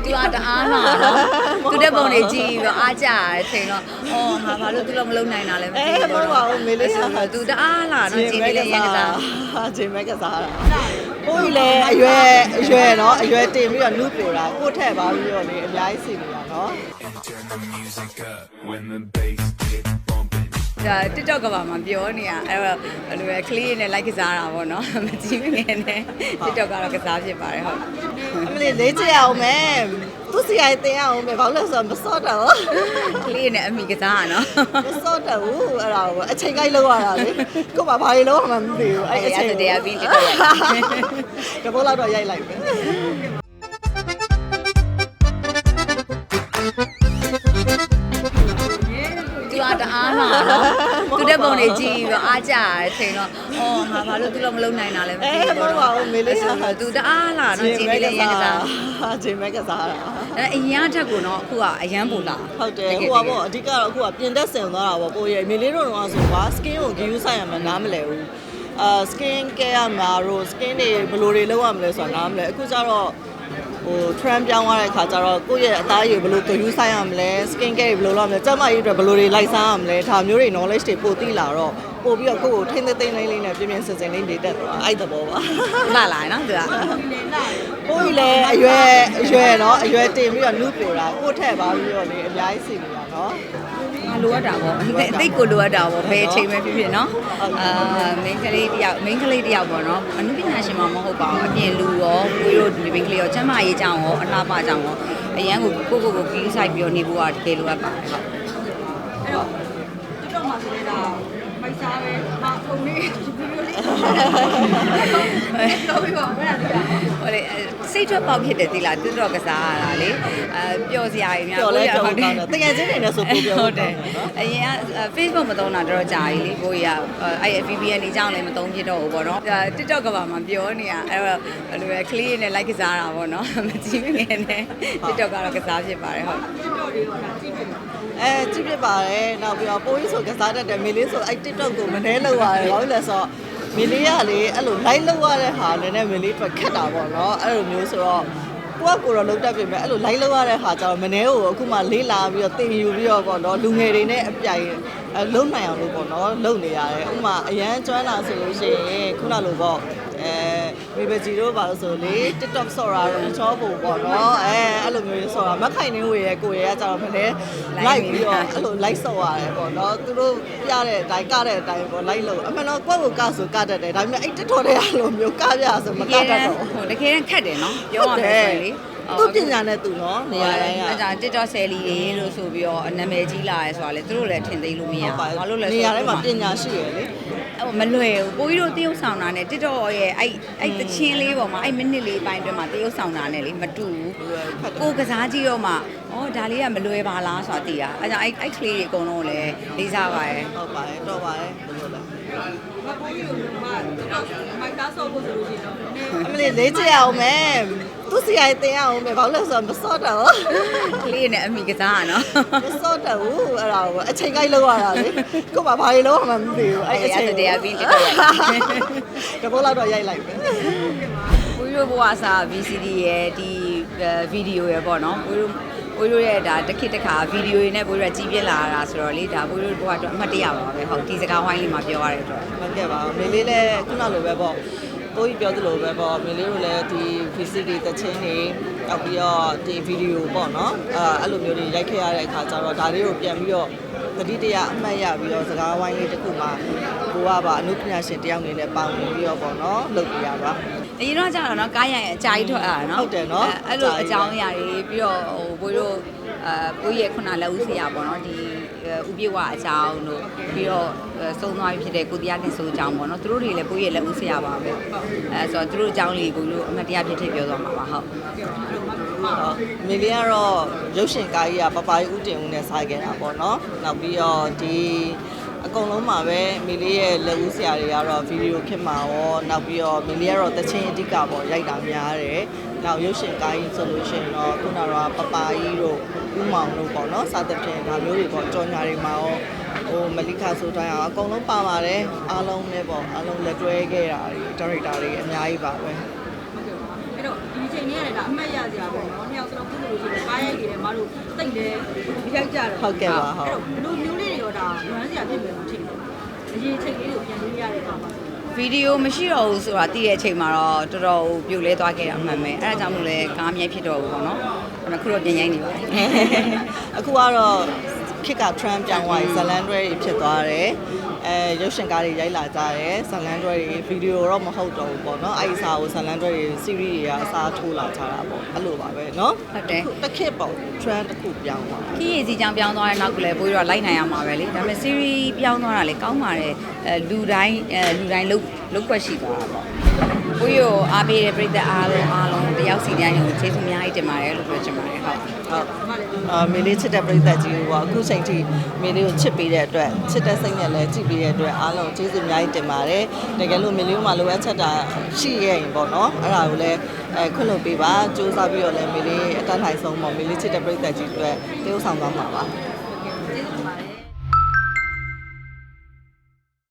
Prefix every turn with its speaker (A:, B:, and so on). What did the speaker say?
A: သူကတအားလာတော့သူတဲ့ပုံတွေကြည့်ပြီးတော့အားကြရတယ်ချိန်တော့အော်ဟာဘာလို့သူတော့မလုံနိုင်တာလဲမသိဘူး
B: ပါဘူးမေလေးက
A: သူတအားလာတော့ဂျင်းလေးလည်းရန်ကစား
B: ဂျင်းမဲကစားတာကိုကြီးလည်းအရွယ်နော်အရွယ်တင်ပြီးတော့နုပြိုတာကိုထက်ပါပြီးတော့လေအများကြီးစီနေတာနော်
C: Turn the music up when the bass get bumping.
A: ဒါ TikTok ကပါမှာပြောနေရအဲ့တော့ဘယ်လိုလဲကလေးနဲ့ like ကစားတာပေါ့နော်မကြည့်ငယ်နဲ့ TikTok ကတော့ကစားဖြစ်ပါတယ်ဟုတ်
B: အမလေးလေးချအောင်မယ်သူစီရိုက်တင်အောင်မယ်ဘာလို့လဲဆိုတော့မစော့တော့
A: ကလေးနဲ့အမိကစားရနော်
B: မစော့တော့ဘူးအဲ့ဒါကိုအချိန်ကိုက်လောက်ရတာလေကို့မှာဘာတွေလုံးမှမသိဘူးအဲ့အချိန်
A: တရားပြီး TikTok ရိုက်
B: တဘောလောက်တော့ရိုက်လိုက်ပဲ
A: သူကတအားလာတော့သူတဲ့ပုံတွေကြည့်ပြီးတော့အားကြရတယ်ချိန်တော့အော်ဟာဘာလို့သူတော့မလုံနိုင်တာလဲမသိဘူး
B: ပါဘူးမေလေးက
A: သူတအားလာတော့ဂျင်းလေးလည်းရန်ကစား
B: ဂျင်းမဲကစားတာ
A: အဲ့အရင်အထက်ကိုတော့အခုကအရန်ပူလာ
B: ဟုတ်တယ်ဟိုကပေါ့အဓိကတော့အခုကပြင်သက်ဆင်သွားတာပေါ့ကိုရဲ့မေလေးတို့တော့ဆိုပါ skin ကို give ဆိုင်ရမှာနားမလဲဘူးskin care ရမှာတို့ skin တွေဘယ်လိုတွေလုပ်ရမလဲဆိုတာနားမလဲအခုကျတော့ဟို trend ပြောင်းသွားတဲ့ခါကျတော့ကိုယ့်ရဲ့အသားရည်ဘယ်လို give ဆိုင်ရမလဲ skin care တွေဘယ်လိုလုပ်ရမလဲကျန်းမာရေးအတွက်ဘယ်လိုတွေလိုက်စားရမလဲဒါမျိုးတွေ knowledge တွေပို့သိလာတော့ပို့ပြီးတော့ကိုယ့်ကိုထိမ့်သိမ့်လေးလေးနဲ့ပြင်းပြင်းစင်စင်လေးနေတတ်သွားအဲ့တဘောပါ
A: လာလာနော်သူက
B: ကိုကြီးလည်းအရွယ်နော်အရွယ်တင်ပြီးတော့နုပြိုတာကိုထက်ပါပြီးတော့လေအများကြီးစီနေတာနော်
A: လိုအပ်တာပေါ့အသိကိုလိုအပ်တာပေါ့ဘယ်အချိန်ပဲဖြစ်ဖြစ်နော်မိန်းကလေးတယောက်ပေါ့နော်အနုပညာရှင်မှမဟုတ်ပါဘူးအပြင်လူရောကိုတို့ဒီမိန်းကလေးရောကျမ်းမာရေးကြောင်းရောအလှပကြောင်းရောအရန်ကိုကြီးဆိုင်ပြီးတော့နေဖို့ကတကယ်လိုအပ်ပါတယ်ဟုတ်
D: အဲ့တော့TikTok မှာဆိုနေတာမိုက်စားပဲဟာဖုန်းလေးဗီဒီယိုလေးပြောပြီးပါမယ်လား
A: ဟိုလေစိတ်ထွက်ပေါက်ဖြစ်တယ်သီလားတွတော့ကစားရတာလေပျော်စရာကြီးများ
B: တော်လဲတော်ကောင်းတယ်တကယ်ချင်းနေနဲ့ဆိုပို့ပြော
A: ဟုတ်တယ်အရင်က Facebook မသုံးတာတော်တော်ကြာပြီလေကိုကြီးကအဲ့ VPN နေကြောင်းလည်းမသုံးဖြစ်တော့ဘူးပေါ့နော် TikTok ကပါမှာပြောနေရအဲ့တော့ဘယ်လိုလဲကလေးနဲ့ like ကစားတာပေါ့နော်မကြည့်ငယ်နဲ့ TikTok ကတော့ကစားဖြစ်ပါတယ်ဟုတ်
D: TikTok လေးတော့ဒါကြည့်ပြီ
B: ကြည့်ပြပါတယ်နောက်ပြီးတော့ပိုးကြီးဆိုကစားတတ်တယ်မေလေးဆိုအဲ့ TikTok ကိုမနှဲလောက်ရတယ်ဘာလို့လဲဆိုတော့မေလေးကလေအဲ့လို like လောက်ရတဲ့ဟာလည်းနဲ့မေလေးအတွက်ခက်တာပေါ့နော်အဲ့လိုမျိုးဆိုတော့ကိုကကိုတော့လုံးတက်ပြင်မဲ့အဲ့လို like လောက်ရတဲ့ဟာကျတော့မနှဲကိုအခုမှလေးလာပြီးတော့တင်ယူပြီးတော့ပေါ့နော်လူငယ်တွေနဲ့အပြိုင်လုံးနိုင်အောင်လို့ပေါ့နော်လုပ်နေရတယ်ဥပမာအရန်ကျွမ်းလာဆိုလို့ရှိရင်ခုနလိုပေါ့မိဘကြီးတို့ပါလို့ဆိုလေ TikTok ဆော့တာတော့ချောဖို့ပေါ့နော်အဲ့လိုမျိုးဆော့တာမခိုင်နေဝေရဲ့ကိုရဲကကြတော့မလဲ like ပြီးတော့အဲ့လို like ဆော့ရတယ်ပေါ့နော်သူတို့ပြတဲ့အတိုင်းကတဲ့အတိုင်းပေါ့ like လို့အမှန်တော့ကိုယ့်ကိုကဆိုကတတ်တယ်ဒါပေမဲ့အဲ့ TikTok တွေအဲ့လိုမျိုးကပြဆိုမကတတ်တော့
A: ဟိုတကယ်ခက်တယ်နော်ပြောရမယ်ဆိုရင်လေ
B: သူပညာနဲ့သူနော်နေရာတိုင်းက
A: အဲ့ဒါ TikTok ဆယ်လီတွေလို့ဆိုပြီးတော့နာမည်ကြီးလာရဲဆိုတာလေသူတို့လည်းထင်သိလို့မရဘူးဘာလို့လဲ
B: နေရာတိုင်းမှာပညာရှိရလေ
A: ဟိုမလွယ်ဘူးကိုကြီးတို့တရုပ်ဆောင်တာနဲ့ TikTok ရဲ့အဲ့တချင်းလေးပေါ်မှာအဲ့မိနစ်လေးပိုင်းအတွင်းမှာတရုပ်ဆောင်တာနဲ့လေမတူဘူးကိုကစားကြည့်တော့မှဩဒါလေးကမလွယ်ပါလားဆိုတာသိတာအဲ့ကြောင့်အဲ့ကလေးတွေအကုန်လုံးလည်းလေးစားပါရဲ့
B: ဟုတ်ပါတယ်တော့ပါတယ်ဘယ်လိုလဲ
D: ဘာပိုးကြီးကိုမှ TikTok မိုက်သားဆော့ဖို့ဆိုလို့ရှိရင်တော့နည်းနည်း
B: အမလေးလေးချအောင်မယ်သူစီရိုက်တင်အောင်မယ်ဘာလို့လဲဆိုတော့မစော့တော့
A: ကလေးနဲ့အမိကစားရနော်
B: မစော့တော့ဘူးအဲ့ဒါကိုအချိန်ကိုက်လောက်ရတာလေကို့မှာဘာတွေလုံးမှမသိဘူးအဲ့အချိန်
A: တရားပြီး TikTok
B: တဘောလောက်တော့ရိုက်လိုက်ပဲ
A: ကိုကြီးတို့ဘဝစာ VCD ရဲ့ဒီဗီဒီယိုရဲ့ပေါ့နော်ကိုတို့ရဲ့ဒါတစ်ခေတ်တစ်ခါဗီဒီယိုတွေနဲ့ကိုတို့ကြီးပြင်းလာတာဆိုတော့လေဒါကိုတို့ဘဝအတွက်အမှတ်တရပါပဲဟုတ်ဒီစကားဝိုင်းလေးမှာပြောရတဲ့အတွက်
B: မကဲပါဘူးမေလေးလည်းခုနလိုပဲပေါ့ကိုကြီးပြောသလိုပဲပေါ့မေလေးတို့လည်းဒီ VCD တချင်းတွေနောက်ပြီးတော့ဒီဗီဒီယိုပေါ့နော်အဲ့လိုမျိုးတွေရိုက်ခဲ့ရတဲ့အခါကျတော့ဒါလေးကိုပြန်ပြီးတော့တတိတရအမှတ်ရပြီးတော့စကားဝိုင်းလေးတစ်ခုမှာကိုကပါအနုပညာရှင်တယောက်အနေနဲ့ပါဝင်ပြီးတော့ပေါ့နော်လုပ်ပြရပါ
A: အရင်တော့ကြာတော့နော်ကားရရင်အကြာကြီးထွက်ရတာနော်
B: ဟုတ်တယ်နော်
A: အဲ့လိုအကြောင်းအရာတွေပြီးတော့ဟိုဘိုးတို့ကိုကြီးရဲ့ခုနလက်ဦးဆရာပေါ့နော်ဒီဥပြေဝအကြောင်းတို့ပြီးတော့စုံသွားပြီဖြစ်တဲ့ကိုတရားတင်ဆိုအကြောင်းပေါ့နော်သူတို့တွေလည်းကိုကြီးရဲ့လက်ဦးဆရာပါပဲအဲဆိုတော့သူတို့အကြောင်းလေးကိုတို့အမှတ်တရဖြစ်ဖြစ်ပြောသွားမှာပါဟုတ်
B: မေလေးကတော့ရုပ်ရှင်ကားကြီးကပပကြီးဦးတင်ဦးနဲ့ဆိုင်ခဲ့တာပေါ့နော်နောက်ပြီးတော့ဒီအကုန်လုံးမှာပဲမေလေးရဲ့လက်ဦးဆရာတွေကတော့ဗီဒီယိုခင်မှာရောနောက်ပြီးတော့မေလေးကတော့တချင်းအဓိကပေါ့ရိုက်တာများတယ်နောက်ရုပ်ရှင်ကားကြီးဆိုလို့ရှိရင်တော့ခုနကတော့ပပကြီးတို့ဦးမောင်တို့ပေါ့နော်စသဖြင့်ဒါမျိုးတွေပေါ့ကြော်ညာတွေမှာရောဟိုမလိခဆိုတိုင်းအောင်အကုန်လုံးပါပါတယ်အားလုံးလည်းပေါ့အားလုံးလက်တွဲခဲ့တာတွေဒါရိုက်တာတွေအများကြီးပါပဲ
D: အဲ့တော့ဒီချိန်လေးရတယ်ဒါအမှတ်ရစရာပဲเนาะနှစ်ယောက်စလုံးကုသိုလ်လို့ရှိရင်ကားရိုက်နေတယ်မတို့တိတ်တယ်ရိုက်ကြတယ်
B: ဟုတ်ကဲ့ပါဟုတ်
D: ဘလို့မျိုးလေးတွေရောဒါလွမ်းစရာဖြစ်မယ်မထင်ဘူးအရေးချိန်လေးကိုပြန်လို့ရတဲ့အခါမှာ
A: ဗီဒီယိုမရှိတော့ဘူးဆိုတာသိတဲ့အချိန်မှာတော့တော်တော်ပြိုလဲသွားခဲ့တာအမှန်ပဲအဲ့ဒါကြောင့်မို့လဲကားမြိုက်ဖြစ်တော့ဘူးပေါ့နော်အခုတော့ပြင်ရိုင်းနေပါတယ်
B: အခုကတော့ခစ်က trend ပြောင်းသွားပြီဇလန်တွဲတွေဖြစ်သွားတယ်ရုပ်ရှင်ကားတွေရိုက်လာကြတယ်ဇလန်တွဲတွေဗီဒီယိုတော့မဟုတ်တော့ဘူးပေါ့နော်အဲ့ဒီစာကိုဇလန်တွဲတွေ series တွေကအစားထိုးလာကြတာပေါ့အဲ့လိုပါပဲเนาะ
A: ဟုတ်တယ်
B: တစ်ခေတ်ပေါ့ trend တစ်ခုပြောင်းသွား
A: ခီးရည်စီကြောင်ပြောင်းသွားတဲ့နောက်ကလည်းပိုးရတော့လိုက်နိုင်ရမှာပဲလေဒါပေမဲ့ series ပြောင်းသွားတာလေကောင်းပါတယ်လူတိုင်းလုတ်ွက်ရှိသွားတာပေါ့ပိုးရအားပေးတဲ့ပြည်သက်အားလုံးတယောက်စီတိုင်းကိုကျေးဇူးအများကြီးတင်ပါတယ်လို့ပြောချင်ပါတယ်ဟုတ်
B: ဟုတ်မေလေးချစ်တဲ့ပရိသတ်ကြီးကိုပေါ့အခုချိန်ထိမေလေးကိုချစ်ပေးတဲ့အတွက်ချစ်တဲ့စိတ်နဲ့လည်းကြည့်ပေးတဲ့အတွက်အားလုံးကျေးဇူးအများကြီးတင်ပါတယ်တကယ်လို့မေလေးကလိုအပ်ချက်တာရှိရဲ့ရင်ပေါ့နော်အဲ့ဒါကိုလည်းခွင့်လွှတ်ပေးပါစူးစမ်းပြီးတော့လည်းမေလေးအတန်းထိုင်ဆုံးပေါ့မေလေးချစ်တဲ့ပရိသတ်ကြီးအတွက်တရုပ်ဆောင်သွားမှာပါ
D: ကျေးဇူးတင်ပါတယ်